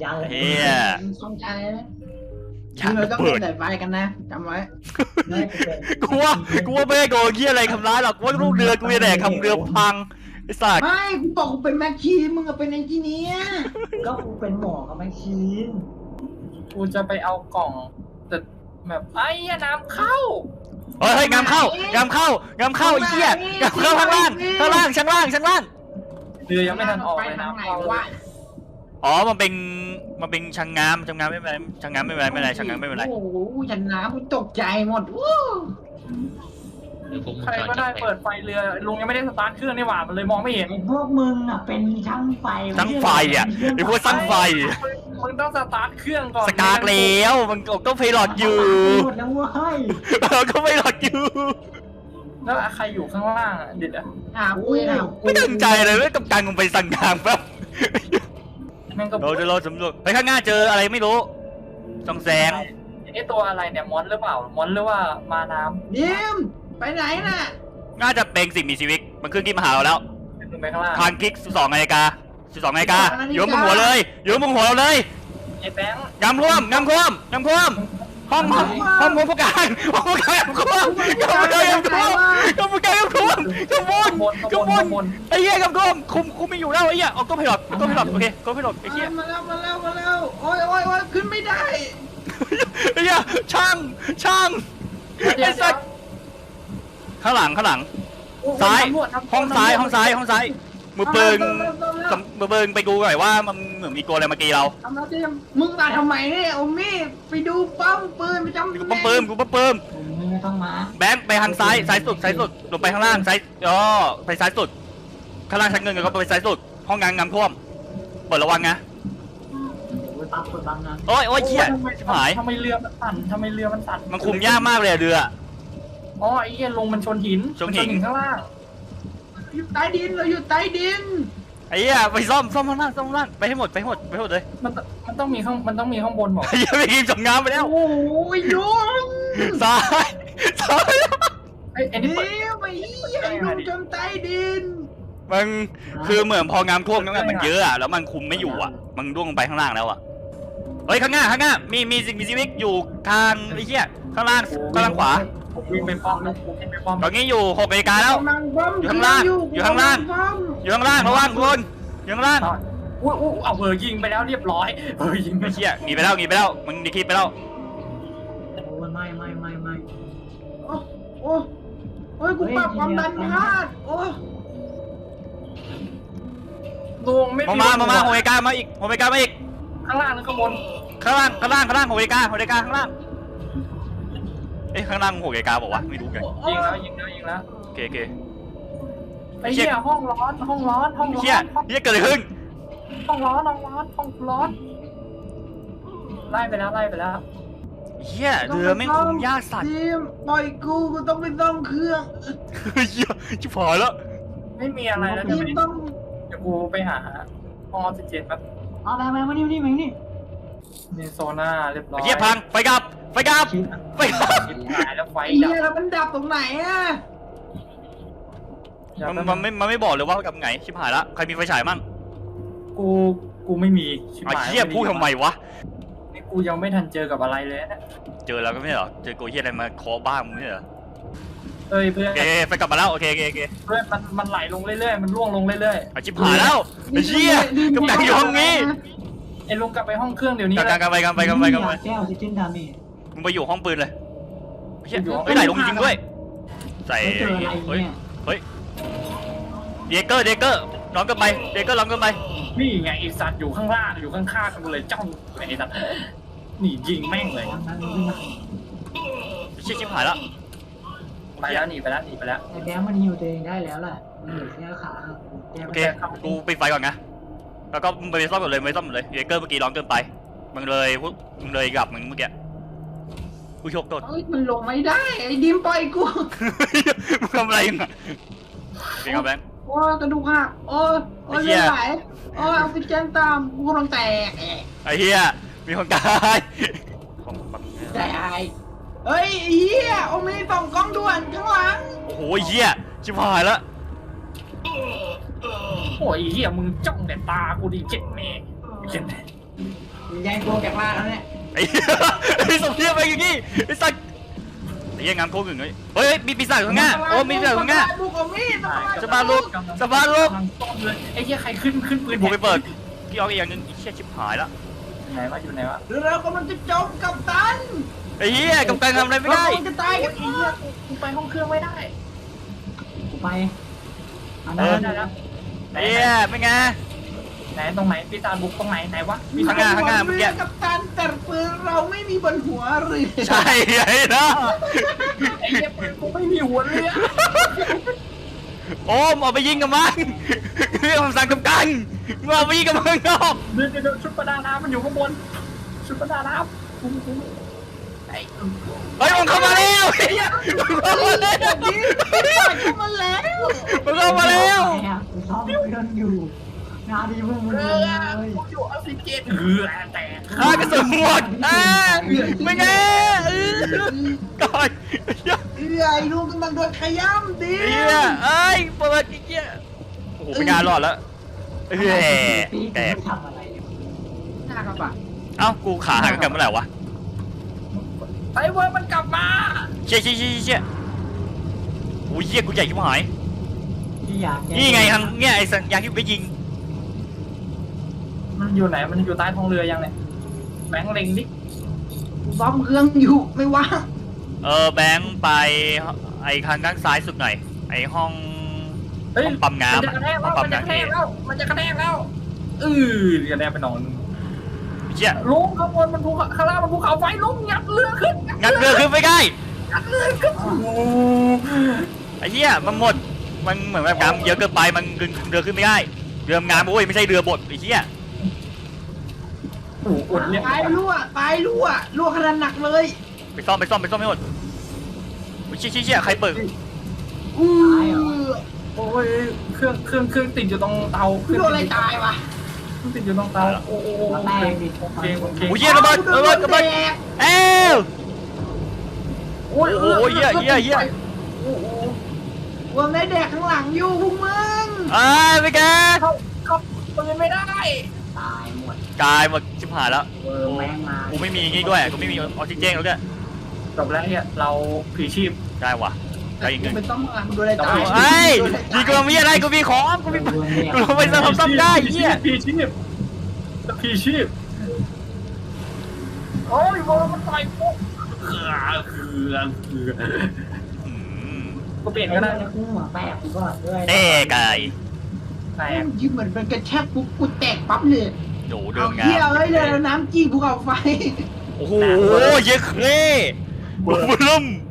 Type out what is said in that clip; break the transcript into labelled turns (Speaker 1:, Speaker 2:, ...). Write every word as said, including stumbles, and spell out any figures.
Speaker 1: ยังเลย
Speaker 2: เฮีย
Speaker 3: สองใจนะ
Speaker 2: อยาก
Speaker 3: เราต้อง
Speaker 2: เปิด
Speaker 3: ใส่ไฟกันนะจำไว้
Speaker 2: กูว่ากูว่าไม่ได้โดนเฮียอะไรทำร้ายหรอกกูว่าลูกเรือกูจะแดกทำเรือพังไอ้สัส
Speaker 3: ไม่กูบอกกูเป็นแม็กชีมึงอะเป็นเอนจิเนียร์
Speaker 1: ก็กูเป็นหมอกับแมชชีน
Speaker 4: กูจะไปเอากล่องแต่แบบไอ้ยน้ำเข้า
Speaker 2: เฮ้ยเฮ้ยงามเข้างามเข้างามเข้าไอ้เหี้ยงามเข้าข้างล่างข้างล่างชั้นล่างชั้นล่าง
Speaker 4: เรือยังไม่ทันออก
Speaker 3: ไป
Speaker 4: เลย
Speaker 3: ทาง
Speaker 4: น้ำ
Speaker 3: ไหน
Speaker 4: เข้าว
Speaker 3: ะ
Speaker 2: อ๋อมันเป็นมันเป็นชังงามชังงามไม่เป็นไรชังงามไม่เป็นไรไม่เป็นไรชังงามไม่เป็นไร
Speaker 3: โอ้โหฉันน้ำกูตกใจหมดวู้
Speaker 4: ใครก็ได้เปิดไฟเรือลุงยังไม่ได้สตาร์ทเครื่องนี่หว่ามันเลยมองไม่เห็น
Speaker 1: ไอ้พวกมึงอ่ะเป็นช่างไฟ
Speaker 2: ช่างไฟอ่ะไอ้พวกช่างไฟ
Speaker 4: มึงต้องสตาร์ทเครื่องก่อน
Speaker 2: สกากแล้วมันก็เพลอดอยู่
Speaker 1: หมดแล้วเว้ย
Speaker 2: เราก็ไม่หลอดอยู่
Speaker 4: แล้วใครอยู่ข้างล่างอ่ะเด็ดอ่ะ
Speaker 3: หากูหากู
Speaker 2: ไม่ตั้งใจเลยเว้ยกับการมึงไปสั่งงามแป๊บ
Speaker 4: แม่งก็
Speaker 2: เราจะรอสำรวจไปข้างหน้าเจออะไรไม่รู้ส่องแสง
Speaker 4: ไอ้ตัวอะไรเนี่ยมอนหรือเปล่ามอนหรือว่ามาน้
Speaker 3: ดิมไปไหนน่ะ
Speaker 2: น่าจะเป็นสิ่งมีชีวิตมันขึ้นที่มาหาเราแล้ว
Speaker 4: ำขึ้นไปข้างล่าง
Speaker 2: ทางคลิกสิบสองนาฬิกาสิบสองนาฬิกาอยู่บนหัวเลยอยู่บนหัวเราเลย
Speaker 4: ไอ้แบงค์
Speaker 2: งามท่วมงามท่วมงามท่วมห้องห้องห้องผู้การห้องผู้การงามท่วมงามท่วมงามท่วมงามผู้การงามท่วมงามบน
Speaker 4: บน
Speaker 2: งามบ
Speaker 4: บ
Speaker 2: น
Speaker 4: นบน
Speaker 2: ไอ้เหี้ยงามท่วมคุมคุมไม่อยู่แล้วไอ้เหี้ยออกก็ไม่หลอดก็ไม่หลอดโอเคก็ไม่หลอดไอ้เหี้ย
Speaker 3: มาแล้วมาแล้วมาแล้วโอ้ยโอ้ยโอ้ยขึ้นไม่ได้
Speaker 2: ไอ้เหี้ยช่างช่าง
Speaker 4: เดี๋ยว
Speaker 2: ไอ้สัสข้างหลังข้างหลัง ซ้าย ห้องซ้ายห้องซ้ายห้องซ้ายมือปืนมือปืนไปดูหน่อยว่ามันเหมือนมีตัวอะไรมากีเรา
Speaker 3: ทำแล้วดิมมึงมาทำไมเนี่ยโอมี่ไปดูป้อมปืนไปจำ
Speaker 2: กูปั๊มปืนกูปั๊มปืน
Speaker 1: มึงไม่ต้องมา
Speaker 2: แบงค์ไปทางซ้ายซ้ายสุดซ้ายสุดลงไปข้างล่างซ้ายอ๋อไปซ้ายสุดข้างล่างชั้นเงินก็ไปซ้ายสุดห้องงานงามท่วมเปิดระวังนะ
Speaker 1: โอ้ยปั๊บเปิดบังนะ
Speaker 2: โอ้ยโอ้ยเหี้ยชิบหาย
Speaker 4: ทำไมเรือมันสั่นทำไมเรือมันสั่น
Speaker 2: มันคุมยากมากเลยอะเรือ
Speaker 4: อ๋อไอ้เหี้ยลงมันชนหิน
Speaker 2: ชนหิน
Speaker 4: มัข้างล่าง
Speaker 3: อยู่ใต้ดินเราอยู่ใต้ดิน
Speaker 2: ไอ้เหี้ยไปซ่อมซ่อมข้างล่างซ่อมข้างล่างไปให้หมดไปให้หมดไปให้หมดเลย
Speaker 4: มันมันต้องมีข้างมันต้องมีข้างบนบอก
Speaker 2: ไอ้เหี้ยไปกินจบงามไปแล้ว
Speaker 3: โอ้ยยุง
Speaker 2: ซ้ายซ้าย
Speaker 4: ไอ้ไอ้นี่
Speaker 3: เดี๋
Speaker 4: เปิด
Speaker 3: ยวไอ้เหี้ยไอ้ลุงจมใต้ดิน
Speaker 2: มันคือเหมือนพองามท่วมน้ำมันมันเยอะอะแล้วมันคุมไม่อยู่อะมันร่วงลงไปข้างล่างแล้วอะเฮ้ยข้างหน้าข้างหน้ามีมีสิ่งมีชีวิตอยู่ทางไอ้เหี้ยข้างล่างข้างล่างขวา
Speaker 4: ผมวิ่งไปป้อมนะผมวิ่งไปป้อม
Speaker 2: ตอนนี้อยู่หกนาฬิกาแล้ว
Speaker 3: กำลังบ้ม
Speaker 2: อยู่ข้างล่างอยู่ข้างล่าง
Speaker 3: บ้ม
Speaker 2: อยู่ข้างล่างระวังทุกคนอยู่ข้างล่าง
Speaker 4: อุ้ยอุ้ยเอาเบอร์ยิงไปแล้วเรียบร้อยเบอร์ยิงไป
Speaker 2: ไอ้เหี้ยหนีไปแล้วหนีไปแล้วมึงดีคลิปไปแล้ว
Speaker 1: โอ้ยไม่ไม่ไม่ไม่
Speaker 3: โอ้โอ้โอ้ยกูปรับความดันพลาดโอ้
Speaker 4: ดวงไม่
Speaker 2: มามามามาหกนาฬิกามาอีกหกนาฬิกามาอีก
Speaker 4: ข้างล่างหรือข้างบน
Speaker 2: ข้างล่างข้างล่างข้างล่างหกนาฬิกาหกนาฬิกาข้างล่างเอ้ยข้างล่างหกนาฬิกาบอกว่าไม่รู้กัน
Speaker 4: ยิงแล้วยิงแล้วยิงแล้ว
Speaker 2: โอเคโอเค
Speaker 4: ไอ้เหี้ยห้องร้อนห้องร้อนห้องร้อ
Speaker 2: เหี้ย
Speaker 4: น
Speaker 2: เหี้ยเกิดอะไรขึ้น
Speaker 4: ห้องร้อนห้องร้อนห้องร้อนไล่ไปแล้วไล่ไปแล้ว
Speaker 2: เหี้ยเรือไม่งคุมยากสัตว์
Speaker 3: ทีมปล่อยกูกูต้องไปซ่อมเครื่อง
Speaker 2: เหี้ยชิบหายแล้ว
Speaker 4: ไม่มีอะไรแล้ว
Speaker 3: ที
Speaker 4: เดี๋ยว
Speaker 3: ม
Speaker 4: ไป
Speaker 3: ต้อง
Speaker 4: เดี๋ยวกูไปหาห้องออกซิเจนแป๊บ
Speaker 1: เอาไปไปมานี่มานี่มานี่
Speaker 4: มีโซน่าเรียบร้อย
Speaker 2: เหี้ยพังไฟกลับไฟกลับ
Speaker 1: ชิป
Speaker 2: ไฟกลับ
Speaker 4: ชิบหายแล้วไฟ
Speaker 3: ไอ้
Speaker 4: ดั
Speaker 3: เหี้ย
Speaker 4: บ
Speaker 3: แล้วมันดับตรงไหนอะ
Speaker 4: อย่า
Speaker 2: มัน
Speaker 4: แป๊บ
Speaker 2: มันไม่มันไม่บอกเลยว่ากับไงชิบหายละใครมีไฟฉายมั่ง
Speaker 4: กูกูไม่มีชิบ
Speaker 2: ไอ้
Speaker 4: หาย
Speaker 2: เหี้ยพูดทำไมวะ
Speaker 4: นี่กูยังไม่ทันเจอกับอะไรเลยนะ
Speaker 2: เจอแล้วก็ไม่ใช่เหรอเจอกูเหี้ยอะไรมาเคอบ้านมึงไม่ใช่เหรอ
Speaker 4: เอ้ยเพื่อน
Speaker 2: โอเคไฟกลับมาแล้วโอเคโอเคโอเค
Speaker 4: เพื่อนมันมันไหลลงเรื่อยๆมันร่วงลงเรื่อย
Speaker 2: ไอ้ชิบหายแล้วไอ้เหี้ยกำลังอยู่ห้องนี้
Speaker 4: ๆไอ้ลุงกลับไปห้องเครื่องเดี๋ยวนี้
Speaker 2: กัน
Speaker 4: เล
Speaker 2: กัน
Speaker 4: ย
Speaker 2: กันไปกันไปกันไปกันไป
Speaker 1: แก้วซิจินดาเมจ
Speaker 2: มึงไปอยู่ห้องปืนเลยเฮีย
Speaker 4: อยู่ห้อง
Speaker 2: ไม่ไหลลงจริงด้วย ใส่
Speaker 1: ไม่เจออะไร
Speaker 2: เฮ้ย
Speaker 1: เนี่ย
Speaker 2: เฮ้ยเดเกอร์เดเกอร์ล้อมกันไปเดเกอร์ล้อมกันไป
Speaker 4: นี่ไงไอ้สัตว์อยู่ข้างล่างอยู่ข้างๆกันเลยจ้องไอ้สัตว์นี่ยิงแม่งเลย
Speaker 1: ทางนั้นมึงขึ้นมา
Speaker 2: ชิบชิบหายแล้ว
Speaker 4: ไปแล้วหนีไปแล้วหนีไปแล้ว
Speaker 1: ไอ้แบงค์มันฮิวตัวเองได้แล้วแหละมันเหลือแค่ขาแก้
Speaker 2: โอ
Speaker 1: ไม่
Speaker 2: เค
Speaker 1: ได้
Speaker 2: กูปิดไฟก่อนนะแล้วก็มึงไปซ่อมก่อนเลยไม่ซ่อมเลยเดเกอร์เมื่อกี้ล้อมเกินไปมึงเลยมึงเลยกลับมึงเมื่อกี้กูโชคโทษ
Speaker 3: เอ้ยมันลงไม่ได้ไอ้ดิมปล่อยกู
Speaker 2: มึงทำอะไรน่ะเป็นไงแบงค์
Speaker 3: โอ้ยกระดูกหักโอ้ยโอ้ย
Speaker 2: ไอ้เหี้
Speaker 3: เลือย ดไหลโอ้ยออกซิเจนตามกูกำลังแตกแอะ
Speaker 2: ไอ้เหี้ยมีคนตายของปั๊ม
Speaker 3: แตกเฮ้ยไอ้เหี้ยโอมีส่องกล้องด่วนข้างหลัง
Speaker 2: โอ้โหเหี้ยชิบหายแล้ว
Speaker 4: โอ้ยเหี้ยมึงจ้องแต่ตากูดิเจ็บแม่เจ็บแม่
Speaker 1: แย่งโกงจากล่างแล้วเนี่ย
Speaker 2: ไอ้ไอ้สมเทียบไปอย่างงี้ไอ้สัตว์ไอ้ยังงามโค้งหนึ่งเลยเฮ้ยมีปีศาจข้างหน้าโอ้มีปีศาจข้างหน้า
Speaker 3: บุกเอามีด
Speaker 2: จะมาลุกจะมาลุก
Speaker 4: กำลังต้มเลยไอ้เหี้ยใครขึ้นขึ้นปืน
Speaker 2: กูไปเปิดพี่ออกอีกอย่างนึงไอ้เชี่ยชิบหายละ
Speaker 4: ไหนวะอยู่ไหนวะ
Speaker 3: หรือเรากำลังจะจมกับตัน
Speaker 2: ไอ้เหี้ยกำลังทำอะไรไม่ได้
Speaker 3: เรากำลังจะตายกัน
Speaker 4: ไอ้เหี้ยกูไปห้องเครื่องไม่ได้
Speaker 1: กูไปอัน
Speaker 4: เอ
Speaker 1: นั้
Speaker 4: อน ได้แล้วไหน
Speaker 2: ไอ้เหี้ยไม่ไง
Speaker 4: ไหนตรงไหนปีศาจบุกตรงไหนไหนวะ
Speaker 2: ข้างหน้าข้างหน้าเมื่อกี้
Speaker 3: รือกับตันแต่ปืนเราไม่มีบนหัวเรือ
Speaker 2: ใช่ไอ้นะ
Speaker 4: ไอ้เหี้ยปืนกูไม่มีหัวเรือ
Speaker 2: โอมเอาไปยิงกับมันเรื่องคำสั่งกำกันมึงเอาไปยิงกับมันนอก
Speaker 4: เดี๋ยวเดี๋ยวชุดประดาน้ำมันอยู่ข้างบนชุดประดาน้ำกูกูไอ้
Speaker 2: เฮ้ยมันเข้ามาแล้วไอ้เหี้ยมันเข้ามาแล้ว
Speaker 3: นี่เข้ามาแล้ว
Speaker 2: มันเข้ามาแล้ว
Speaker 1: กูซ่อมเครื่องอยู่งานดีมึงมึง
Speaker 4: เอ
Speaker 1: เล
Speaker 4: อย กูอยู่ออกซิเจนเออแต่
Speaker 2: ฆ่ากระสุนหมดอ่าไม่ไงเออก่อนไอ้เหี้ย
Speaker 3: เรือไอ้ลูกกำลังโดนขย้ำดิ
Speaker 2: ไอ้เหี้ยเอ้ยเปิดไอ้เหี้ยโอ้โหไม่งานรอดแล้วเฮ้ย
Speaker 1: ปี
Speaker 2: แตก
Speaker 1: ทำอะไรเนี่ย
Speaker 3: หน้ากระบะ
Speaker 2: เอ้ากูขาหักกันเมื่อไหร่วะ
Speaker 4: ไอ้เว้ยมันกลับมา
Speaker 2: เชี่ยเชี่ยเชี่ยเชี่ยโอ้ยเหี้ยกูใหญ่ชิบหาย
Speaker 1: ที่อยาก
Speaker 2: นี่ไงทางเนี่ยไอ้สัญญาณที่ไปยิง
Speaker 4: มันอยู่ไหนมันอยู่ใต้ท้องเรือยังเนี่ยแบงค์เล็งดิ
Speaker 3: ซ่อมเครื่องอยู่ไม่ว่าง
Speaker 2: เออแบงค์ไปไอ้ทางด้านซ้ายสุดหน่อยไอ้ห้อง
Speaker 4: เฮ้ย
Speaker 2: ห้องปั๊ม
Speaker 4: มัน
Speaker 2: น้ำ
Speaker 4: จะ
Speaker 2: อะ
Speaker 4: กระแทก
Speaker 2: ห้
Speaker 4: แล้
Speaker 2: อง
Speaker 4: ว
Speaker 2: ปั๊
Speaker 4: มั
Speaker 2: ม
Speaker 4: นจะกระ
Speaker 2: น้ำ
Speaker 4: แท
Speaker 2: เอก
Speaker 4: แล้วมันจะกระแทกแล้วเออกระแทกไปนอน
Speaker 2: เชี่ย
Speaker 4: ลุงข้างบนมันภูเขาข้างล่างมันภูเขาไฟลุงงัดเรือขึ้น
Speaker 2: งัดเรือขึ้นไปได้
Speaker 4: งัดเรือขึ้นโอ้โห
Speaker 2: ไอ้เหี้ยมันหมดมันเหมือนแบบน้ำเยอะเกินไปมันดึงเรือขึ้นไม่ได้เรืองานโอ้ยไม่ใช่เรือบดไอ้เหี้ย
Speaker 4: โอ้โหอดเนี่ย
Speaker 3: ตายรั่วตายรั่วรั่วขนาดหนักเลย
Speaker 2: ไปซ่อมไปซ่อมไปซ่อมไม่หมดโอ้ยเชี่ยเชี่ยเชี่ยใครเปิด
Speaker 3: อู้
Speaker 4: โอ้ยเครื่องเครื่องเครื่องติดอยู่ตรงเตาเครื่อง
Speaker 3: รั่วอะไรตายวะ
Speaker 4: เครื่องติดอยู่ตรงเตาโอ้โห
Speaker 1: แล้วแม่งดิ
Speaker 4: เก่งเก่ง
Speaker 2: โอ้ยเหี้ยระเบิดระเบิดระเบิดเอ้ว
Speaker 4: โอ้ย
Speaker 2: โอ้ยเหี้ยเหี้ยเหี้ย
Speaker 4: โอ้โห
Speaker 3: รวมได้แดกข้างหลังอยู่พวกมึง
Speaker 2: เอ้ยไปแก
Speaker 4: เข้าเข้าปืนไม่ได้
Speaker 1: ตายหมด
Speaker 2: กายหมดชิบหายแล้ว
Speaker 1: เวอร์แม่งมา
Speaker 2: กูไม่มีอย่างงี้ด้วยกูไม่มีออกซิเจนแล้วด้วย
Speaker 4: จบแล้วเนี่ยเราผีชีพ
Speaker 2: ได้ว่ะได้อีกหนึ่ง
Speaker 3: เป็นต้องมาดูอะไรตาย
Speaker 2: ไอ้ยดีกูมีอะไรกูมีของกูมีกูลงไปซ่อมซ่อมได้เหี้ย
Speaker 4: ผีชีพผีชีพโอ้ยโบมันต่อยกูเขือเขือเขือ
Speaker 2: อืม
Speaker 4: กูเปลี่ยน
Speaker 1: ก็
Speaker 4: ก็
Speaker 1: ได้
Speaker 4: ได้
Speaker 1: นะกูหัวแปกกูก็ด้วย
Speaker 2: เต้ไก่
Speaker 4: แตก
Speaker 3: ยิ้มเหมือนเป็นกระแทกปุ๊บกูแตกปั๊บเลย
Speaker 2: โดเดิ
Speaker 3: เอา
Speaker 2: มงา
Speaker 3: เที่ยว
Speaker 2: ม
Speaker 3: เอ้ยเลยน้ำจี้ภูเขาไฟ
Speaker 2: โอ้โหเยอะเคร่บุ้ม